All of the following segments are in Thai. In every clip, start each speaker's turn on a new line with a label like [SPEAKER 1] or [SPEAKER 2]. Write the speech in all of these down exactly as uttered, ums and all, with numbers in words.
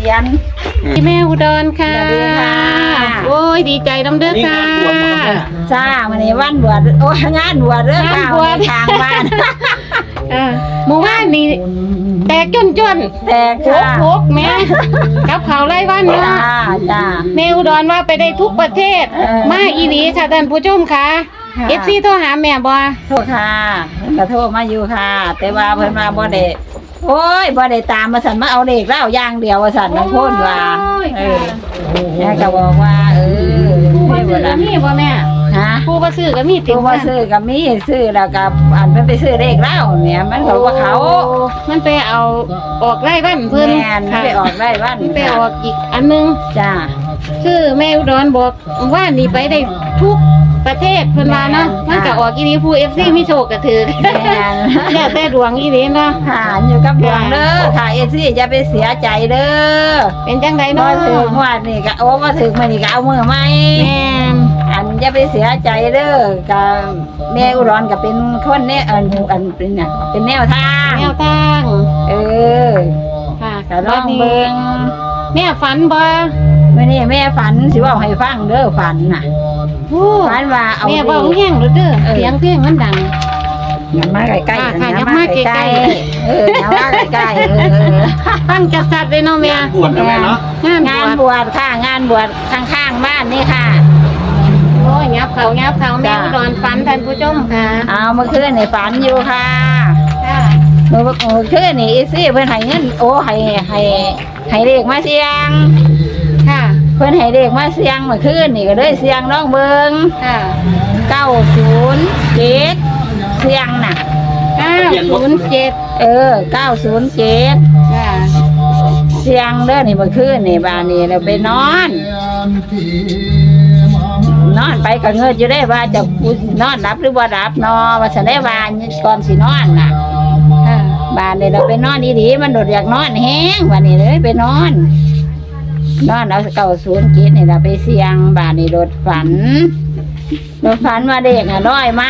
[SPEAKER 1] รียน
[SPEAKER 2] แม่อุดรค่ะโอ้ยดีใจน้ำเด้อค่ะ
[SPEAKER 1] จ้าวันนี้วันบวชโอ้งานบวชเด้อค่ะทางบ้าน
[SPEAKER 2] หมู่บ้านนี่แตกจนจน
[SPEAKER 1] แตก
[SPEAKER 2] โคกโคกแม่กับเขาไล่บ้านเนาะ
[SPEAKER 1] จ้า
[SPEAKER 2] แม่อุดรว่าไปได้ทุกประเทศมาอีหลีค่ะท่านผู้ชมค่ะเอฟซีโทรหาแม่บ่
[SPEAKER 1] โทรค่ะก็โทรมาอยู่ค่ะแต่ว่าเพิ่นมาบ่ได้โอ้ยบ่ได้ตามมาสั่นมาเอาเลขแล้วอย่างเดียวว่าสั่นน้องพ่นว่าเออแม่ก็บอกว่าเออ
[SPEAKER 2] ผู้ซื้อก็มีบ่แม่
[SPEAKER 1] ฮะ
[SPEAKER 2] ผู้บ่ซื้อก็มีติ
[SPEAKER 1] ผู้บ่ซื้อก็มีซื้อแล้วก็อันเพิ่นไปซื้อเลขแล้วเนี่ยมันก็ว่าเขา
[SPEAKER 2] มันไปเอาออกไล่บ้านเพิ่น
[SPEAKER 1] แม่นไปออกไล่บ้าน
[SPEAKER 2] ไปออกอีกอันนึง
[SPEAKER 1] จ้า
[SPEAKER 2] คือแม่อุดรบอกว่านี่ไปได้ทุกประเทศเพิ่นว่าเนาะมันก็ออกอีนี้ผู้ เอฟ ซี มีโชคก็ถือแล้วแต่ดวงอีนี้เนาะ
[SPEAKER 1] หาอยู่กับดวงเด้อค่ะ เอฟ ซี อย่าไปเสียใจเด้อ
[SPEAKER 2] เป็นจังได๋เนาะ
[SPEAKER 1] บ่ถึงว่านี่ก็โอ้บ่ถึงมื้อนี้ก็เอามือใหม่
[SPEAKER 2] แม่น
[SPEAKER 1] อันอย่าไปเสียใจเด้อก็แม่อุดรก็เป็นคนแนวอันอันเป็นน่ะเป็นแนวทาง
[SPEAKER 2] แนวทาง
[SPEAKER 1] เออ
[SPEAKER 2] ค่ะ
[SPEAKER 1] ก็ลองเบิ่ง
[SPEAKER 2] แม่ฝันบ่
[SPEAKER 1] มื้อนี้แม่ฝันสิเว้าให้ฟังเด้อฝันน่ะฝันว่าเอา
[SPEAKER 2] แม่เว้าแห้งเด้อเสียงเพลงมันดัง
[SPEAKER 1] อย่ามาใกล้ๆ
[SPEAKER 2] ค่ะอย่ามาใกล้
[SPEAKER 1] ๆเอออย่ามาใกล้ๆเออ
[SPEAKER 2] ฟังจัดๆเลยเนาะแม่
[SPEAKER 3] บวชนะแม่เนาะ
[SPEAKER 1] งานบวชค่ะงานบวชข้างๆบ้านนี่ค่ะ
[SPEAKER 2] โอ้ยยับเขายับเขาแม่อุดรฝันท่านผู้ชมค่ะ
[SPEAKER 1] เอาเมื่อคืนนี่ฝันอยู่ค่ะ
[SPEAKER 2] ค่ะ
[SPEAKER 1] เมื่อคืนนี่อีซี่เพิ่นให้เงินโอ้ให้ให้ให้เลขมาเสียง
[SPEAKER 2] ค่ะ
[SPEAKER 1] เพิ่นให้เลขมาเสียงเมื่อคืนนี่ก็เลยเสียงน้องเบิ่ง
[SPEAKER 2] ค่ะ
[SPEAKER 1] เก้าศูนย์เจ็ดเสียงน่ะ
[SPEAKER 2] เก้าศูนย์เจ็ด
[SPEAKER 1] เออเก้าศูนย์เจ็ด
[SPEAKER 2] ค่ะ
[SPEAKER 1] เสียงเด้อนี่เมื่อคืนนี่บ้านนี่เราไปนอนนอนไปก็เงินอยู่ได้ว่าจะนอนรับหรือบ่รับนอว่าฉันได้ว่าก่อนสินอนน่ะบ้านนี่เราไปนอนดีๆมันโดดอยากนอนแห้งวันนี้เลยไปนอนนอนเอาเก้าศูนย์เจ็ดนี่เราไปเสียงบ้านนี่โดดฝันโดดฝันว่าเด็กอ่ะน้อยมา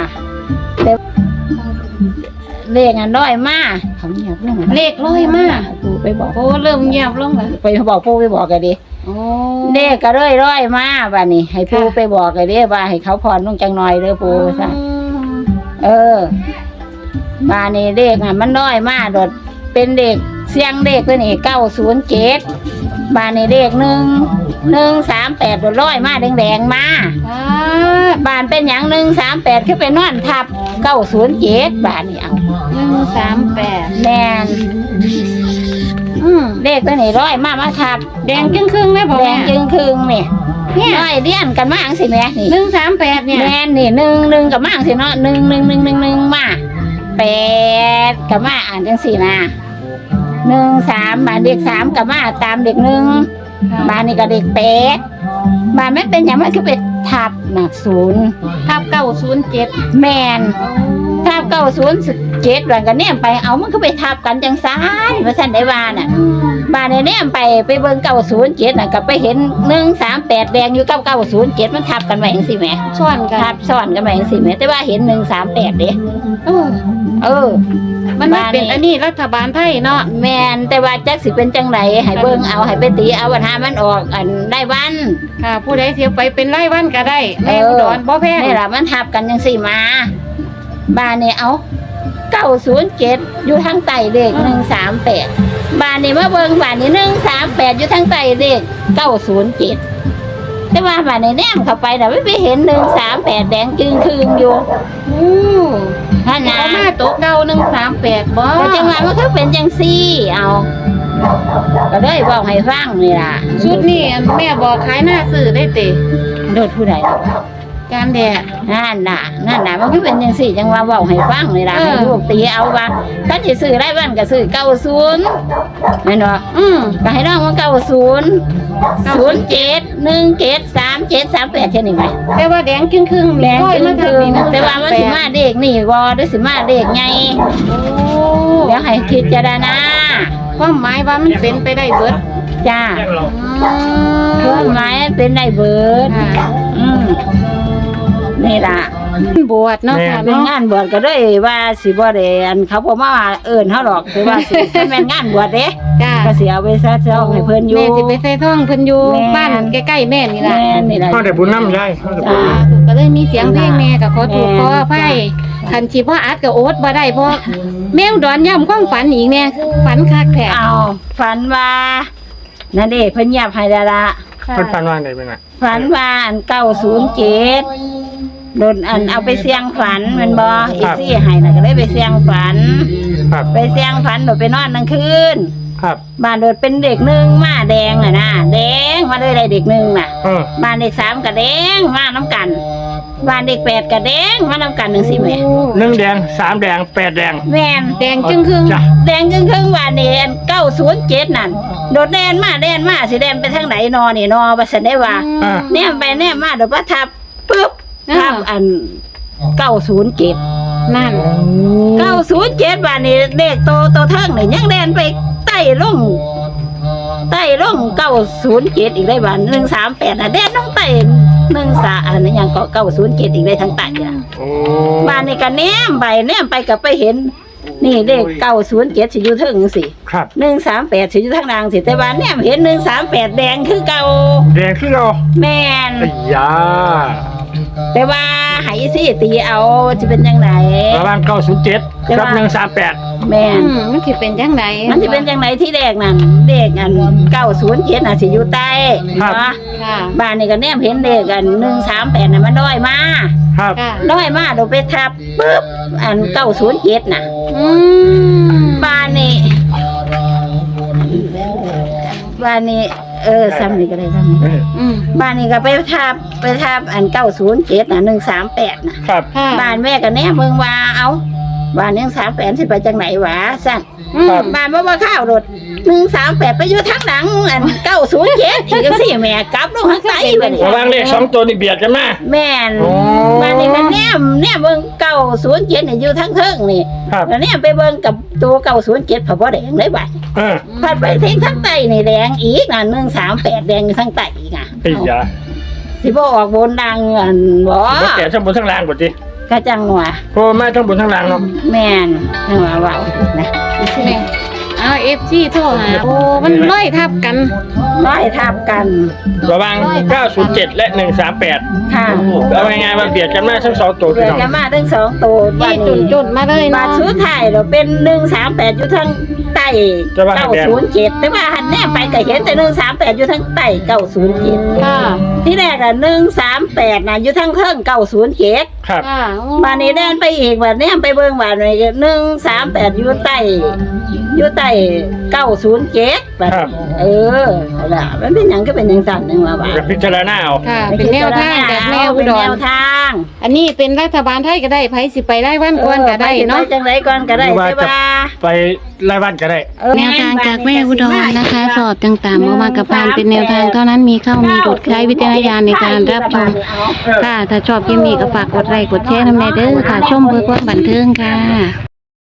[SPEAKER 1] เลขอ่ะน้อยมาเขาเงียบลง
[SPEAKER 2] เลขร้อยมา
[SPEAKER 1] ปูไปบอก
[SPEAKER 2] โอ้เริ่มเงียบลงแล้ว
[SPEAKER 1] ไปบอกปูไปบอกกันดิเลขก็ร้อยร้อยมาบ้านนี่ให้ปูไปบอกกันดิว่าให้เขาผ่อนลงจังหน่อยเด้อปูซะเออบ้านนี่เลขอ่ะมันน้อยมาโดดเป็นเด็กเสียงเด็กตัวนี้เก้าศูนย์เจ็ดบ้านนี่เลขหนึ่งหนึ่งสามแปดโดดร้อยมาแดงๆมาบ้านเป็นอย่างหนึ่งสามแปดคือเป็นนอนทับเก้าศูนย์เจ็ดบ้านนี่เอา
[SPEAKER 2] หนึ่งสามแปด
[SPEAKER 1] แม่นอืมเลขตัวนี้ร้อยมามาทับ
[SPEAKER 2] แดงจึงครึ่งไหมพ่อ
[SPEAKER 1] แดงจึงครึ่งนี่เนี่ยร้อยเลี้ยนกันมาอังสิแม่นี่
[SPEAKER 2] หนึ่งสามแปดเนี่ย
[SPEAKER 1] แม่นี่หนึ่งหนึ่งกับมาอังสิเนาะหนึ่งหนึ่งหนึ่งหนึ่งหนึ่งมาแปดกับมาอ่านจังสี่นะหนึ่งสามบานเด็กสามกับมาตามเด็กหนึ่งบานนี่กับเด็กแปดบานไม่เป็นอย่างมันคือเป็นทับหนักศูนย์
[SPEAKER 2] ทับเก้าศูนย์เจ็ด
[SPEAKER 1] แมนทับเก้าศูนย์เจ็ดวันกันเนี่ยไปเอามันก็ไปทับกันจังซ้ายมาสั่นได้บานอ่ะบานเนี่ยไปไปเบิ่งเก้าศูนย์เจ็ดน่ะกับไปเห็นหนึ่งสามแปดแดงอยู่กับเก้าศูนย์เจ็ดมันทับกันไว้อย่างสิแม่
[SPEAKER 2] ซ้อนกัน
[SPEAKER 1] ทับซ้อนกันไว้อย่างสิแม่แต่ว่าเห็นหนึ่งสามแปดเด้
[SPEAKER 2] เออ
[SPEAKER 1] เออ
[SPEAKER 2] มันเป็นอันนี้รัฐบาลไทยเนาะ
[SPEAKER 1] แมนแต่ว่าจักสิเป็นจังไรให้เบิ่งเอาให้ไปตีเอาวันหามันออกอันได้วัน
[SPEAKER 2] ค่ะผู้ใดเสียไปเป็นไร่วันก็ได้แม่อุดรบ่แพง
[SPEAKER 1] นี่ล่ะมันทับกันจังสี่มาบ้านนี่เอาเก้าศูนย์เจ็ดอยู่ทางใต้เลขหนึ่งสามแปดบ้านนี่มาเบิ่งบ้านนี่หนึ่งสามแปดอยู่ทางใต้เลขเก้าศูนย์เจ็ดแต่ว่าบ้านนี่แนมเข้าไปแต่ไม่ไปเห็นหนึ่งสามแปดแดงจึงคืนอยู่
[SPEAKER 2] อู้
[SPEAKER 1] ท่านนะ
[SPEAKER 2] มาโต๊ะเก้าหนึ่งสามแปดบ่
[SPEAKER 1] แต่จังหวะมันก็เป็นจังซี่เอาก็เลยบอกให้ฟังนี่ล่ะ
[SPEAKER 2] ชุดนี้แม่บอกขายหน้าสื่อได้ติ
[SPEAKER 1] โดดผู้ใด
[SPEAKER 2] การแดด
[SPEAKER 1] นั่นน่ะนั่นน่ะมันก็เป็นจังซี่จังว่าเว้าให้ฟังนี่ล่ะให้ลูกตีเอาว่าถ้าสิซื้อได้บ้านก็ซื้อเก้าศูนย์แม่นบ่
[SPEAKER 2] อืม
[SPEAKER 1] ก็ให้น้องว่าเก้าศูนย์ ศูนย์เจ็ด หนึ่งเจ็ด สามเจ็ด สามแปดแค่นี้ไหม
[SPEAKER 2] แต่ว่าแดงครึ่งๆ
[SPEAKER 1] แดงครึ่งๆแต่ว่ามันสิมาเด็กนี่บ่ด้วยสิมาเด็กไงโอ้เดี๋ยวให้คิดจารณา
[SPEAKER 2] ความหมายว่ามันเป็นไปได้เบิด
[SPEAKER 1] จ้าความหมายเป็นได้เบิดอืมนี่ล่ะ
[SPEAKER 2] บวชเนาะค่ะ
[SPEAKER 1] เป็น
[SPEAKER 2] เนาะ
[SPEAKER 1] งานบวชก็เลยว่าสิบ่ได้อันเขาบ่มาเอิ้นเฮาหรอกคือว่าสิถ้าแม่นงานบวชเด้
[SPEAKER 2] จ้า
[SPEAKER 1] ก็สิเอาไปซะเจ้าให้เพิ่นอยู่
[SPEAKER 2] แม่สิไปใส่ท่องเพิ่นอยู่
[SPEAKER 1] แม่
[SPEAKER 2] บ้านใกล้ๆแม่นี่ล่ะ
[SPEAKER 1] แม่นนี่ล่ะ
[SPEAKER 3] เขาได้บุญน้ำยายเขาได้บุญ
[SPEAKER 2] จ้า
[SPEAKER 3] น้
[SPEAKER 2] ก็เลยมีเสียงเพลงแม่ก็ขอโทษ
[SPEAKER 1] แม่
[SPEAKER 2] ขออภัยคันสิบ่อัดก็โอ๊ตบ่ได้เพราะแมวดอนย่ำความฝันอีกแน่ฝันคักแท้
[SPEAKER 1] เอาฝันว่านั่นเด้เพิ่นเงียบให้แล้วล่ะ
[SPEAKER 3] ำเพิ่นฟันว่าไงเป็นไง
[SPEAKER 1] ฝันว่าอันเก้าศูนย์เจ็ดโดนอันเอาไปเสี่ยงฝันแมันบ่อีซี่ให้น่ะก็เลยไปเสี่ยงฝัน
[SPEAKER 3] ครับ
[SPEAKER 1] ไปเสี่ยงฝันโดดไปนอนกลางคืน
[SPEAKER 3] ครับ
[SPEAKER 1] บ้านโดดเป็นเด็กหนึ่งมาแดงน่ะนะแดงมาเลยได้เด็กหนึ่งน่ะ
[SPEAKER 3] เออ
[SPEAKER 1] บ้านเด็กสามก็แดงมาน้ำกันบ้านเด็กแปดก็แดงมาน้ำกันหนึ่งสิแม่
[SPEAKER 3] หนึ่งแดงสามแดงแปดแดง
[SPEAKER 1] แม่น
[SPEAKER 2] แดงจึงครึ่ง
[SPEAKER 3] จ้ะ
[SPEAKER 1] แดงครึ่งครึ่งๆบ้านนี่เก้าศูนย์เจ็ดนั่นโดดแดนมาแดนมาสิแดนไปทางไหนนอนี่นอบัสันได้ว่า
[SPEAKER 3] อ่า
[SPEAKER 1] แนมไปแนมมาโดดประทับปึ๊บทับอันเก้าศูนย์เจ็ด
[SPEAKER 2] นั่น
[SPEAKER 1] เก้าศูนย์เจ็ดบาทนี่เลขโตโตเทิงนี่ยังแดนไปใต้ลงใต้ลงเก้าศูนย์เจ็ดอีกได้บาทหนึ่งสามแปดอ่ะแดนลงใต้หนึ่งสาอันนี้ยังก็เก้าศูนย์เจ็ดอีกได้ทั้งใต้อ่ะ
[SPEAKER 3] โอ้
[SPEAKER 1] บาทนี่ก็แนมไปแนมไปก็ไปเห็น นี่เลขเก้าศูนย์เจ็ดสิอยู่เทิงสิ
[SPEAKER 3] ครับ
[SPEAKER 1] หนึ่งสามแปดสิอยู่ทางล่างสิแต่ว่าแนมเห็นหนึ่งสามแปดแดงคือเก่า
[SPEAKER 3] แดงคือเรา
[SPEAKER 1] แม่น
[SPEAKER 3] ไอ้ยา
[SPEAKER 1] แต่ว่าไหสิตีเอาจะเป็นยังไง
[SPEAKER 3] ประมาณเก้าศูนย์เจ็ด
[SPEAKER 1] แต่
[SPEAKER 3] กับ
[SPEAKER 1] ว่า
[SPEAKER 3] หนึ่งสามแปด
[SPEAKER 1] แม่น
[SPEAKER 2] อืมมันสิเป็นจังได
[SPEAKER 1] มันจะเป็นยังไงที่แรกนั่นเด็กอันเก้าศูนย์เจ็ดน่ะสิอยู่ใต้เนาะ
[SPEAKER 2] ค่ะ
[SPEAKER 1] บ้านนี่ก็แนมเห็นเด็กอันหนึ่งสามแปดน่ะมันน้อยมา
[SPEAKER 3] ครับ
[SPEAKER 2] ค่ะ
[SPEAKER 1] น้อยมาเดี๋ยวไปทับปุ๊บอันเก้าศูนย์เจ็ดน่ะ
[SPEAKER 2] อืม
[SPEAKER 1] บ้านนี่บ้านนี่เออซ้ำนี่ก็ได้ซ้ำนี่
[SPEAKER 3] เออ
[SPEAKER 2] อืม
[SPEAKER 1] บ้านนี่ก็ไปทับไปทับอันเก้าศูนย์เจ็ดน่ะหนึ่งสามแปดน่ะ
[SPEAKER 3] ครับ
[SPEAKER 2] ค่ะ
[SPEAKER 1] บ้านแม่ก็แนมเบิ่งว่าเอาบ้านหนึ่งสามแปดสิไปจังไหนวะสั่น
[SPEAKER 2] อืม
[SPEAKER 1] บ้านบ่ว่าข้าวรถหนึ่งสามแปดไปอยู่ทางหลังอันเก้าศูนย์เจ็ดอีกสิแม่กลับลงข้างใต้บัดนี้
[SPEAKER 3] ระหว่างเลขสองตัวนี่เบียดกันมา
[SPEAKER 1] แม่น
[SPEAKER 3] โอ้
[SPEAKER 1] บ้านนี้มันแนมแนมเบิ่งเก้าศูนย์เจ็ดนี่อยู่ทางเทิงนี่
[SPEAKER 3] ครับ
[SPEAKER 1] แล้วแนมไปเบิ่งกับตัวเก้าศูนย์เจ็ดพอบ่แดงเลยบัด
[SPEAKER 3] เออ
[SPEAKER 1] พัดไปทางทางใต้นี่แดงอีกน่ะหนึ่งสามแปดแดงอยู่ทางใต้อีกอ่ะ
[SPEAKER 3] ไอ้ยา
[SPEAKER 1] สิบ่ออกบนดังอันบ่
[SPEAKER 3] บ่แก่ทั้งบนทั้งล่างกว่าจี
[SPEAKER 1] ก็จังว่า
[SPEAKER 3] เพราะว่ามาทั้งบนทั้งล่างเนาะ
[SPEAKER 1] แม่นจังว่าเว้านะ
[SPEAKER 2] แม่เอา เอฟ ซี โทรหาโอ้มันร้อยทับกัน
[SPEAKER 1] ร้อยทับกัน
[SPEAKER 3] ระหว่างเก้าศูนย์เจ็ดและหนึ่งสามแปด
[SPEAKER 1] ค่ะ
[SPEAKER 3] เอาง่ายๆว่าเบียดกันมาทั้งสองตัว
[SPEAKER 1] เกิ
[SPEAKER 3] พี่
[SPEAKER 1] ด
[SPEAKER 3] น้อง
[SPEAKER 1] กันมาทั้งสองตัวบ้า
[SPEAKER 2] ยี่
[SPEAKER 1] น
[SPEAKER 2] จุน
[SPEAKER 1] นี้
[SPEAKER 2] จุนมาเลย
[SPEAKER 1] บา
[SPEAKER 2] เนาะ
[SPEAKER 1] ทสุดท้ายเราเป็นหนึ่งสามแปดอยู่ทางใต้เก้าศูนย์เจ็ดแต่ว่าหันแน่ไปก็เห็นแต่หนึ่งสามแปดอยู่ทางใต้เก้าศูนย์เจ็ด
[SPEAKER 2] ค่ะ
[SPEAKER 1] ที่แรกอะหนึ่งสามแปดนะอยู่ทางเทิงเก้าศูนย์เจ็ด
[SPEAKER 3] ครับ
[SPEAKER 2] ค่ะโอ้
[SPEAKER 1] บานนี้เดินไปอีกบานนี้ไปเบิ่งบานนี้หนึ่งสามแปดอยู่ใต้อยู่ใต้เก้าศูนย์เจ็ดบาด
[SPEAKER 3] ครับ
[SPEAKER 1] เออล่ะมันเป็นหยังก็เป็นหยังสั่นหนึ่งว่าบาด
[SPEAKER 3] กับพิจารณาเอา
[SPEAKER 2] ค่ะ เป็นแนวทางแบบแนวอุ
[SPEAKER 1] เป็น
[SPEAKER 2] ด
[SPEAKER 1] แน
[SPEAKER 2] ร
[SPEAKER 1] วทาง
[SPEAKER 2] อันนี้เป็นรัฐบาลไทยก็ได้ไผสิไปได้วันก่อนก็ได้เนาะ
[SPEAKER 1] ออปจังไรก่อนก็ได้
[SPEAKER 3] หรือว่า
[SPEAKER 1] ใช่
[SPEAKER 3] จะ
[SPEAKER 1] ป่ะ
[SPEAKER 3] ไปไล่บ้านก็ได้
[SPEAKER 1] เออ
[SPEAKER 2] แนวทางจากแม่อุดรนะคะ สอบต่างๆมามากับพานเป็นแนวทางเท่านั้นมีเข้ามีหลุดใช้วิจารณญาณในการรับชมค่ะ ถ้าชอบคลิปนี้ก็ฝากกดไลค์กดแชร์น้ำแน่เด้อค่ะ ชมเพื่อความบันเทิงค่ะ